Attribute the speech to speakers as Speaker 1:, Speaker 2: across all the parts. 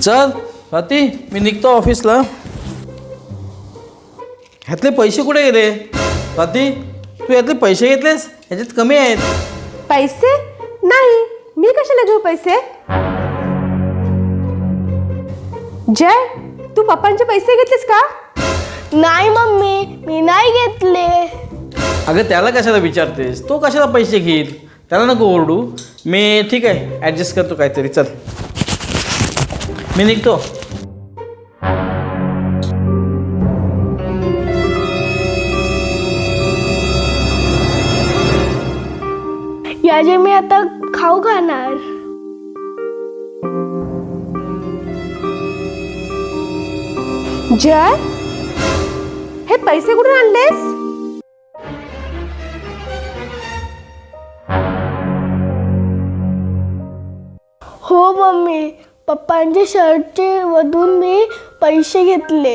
Speaker 1: चल स्वाती, मी निघतो ऑफिसला. ह्यातले पैसे कुठे गेले? स्वाती, तू यातले पैसे घेतलेस? ह्याच्यात कमी आहेत.
Speaker 2: पैसे नाही, मी कशाला घेऊ पैसे? जय, तू पप्पांचे पैसे घेतलेस का?
Speaker 3: नाही मम्मी, मी नाही घेतले.
Speaker 1: अगं त्याला कशाला विचारतेस? तो कशाला पैसे घेईल? त्याला नको ओरडू. मी ठीक आहे, ॲडजस्ट करतो काहीतरी. चल मी निघतो.
Speaker 3: याचे मी आता खाऊ खाणार.
Speaker 2: जय, हे पैसे कुठून आणलेस?
Speaker 3: हो मम्मी, पप्पांच्या शर्टचे मधून मी पैसे घेतले.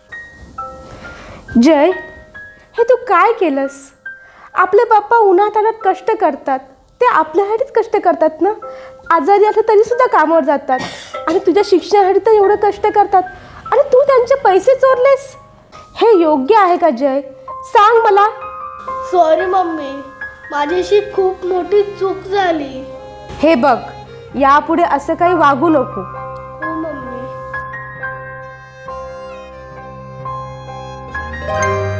Speaker 2: जय, हे तू काय केलंस? आपले पप्पा उन्हातान्हात कष्ट करतात, ते आपल्यासाठीच कष्ट करतात ना. आजारी असले तरी सुद्धा कामावर जातात आणि तुझ्या शिक्षणासाठी तर एवढं कष्ट करतात आणि तू त्यांचे पैसे चोरलेस. हे योग्य आहे का जय? सांग मला.
Speaker 3: सॉरी मम्मी, माझ्याशी खूप मोठी चूक झाली.
Speaker 2: हे बघ, यापुढे असं काही वागू नको.
Speaker 3: हो मम्मी.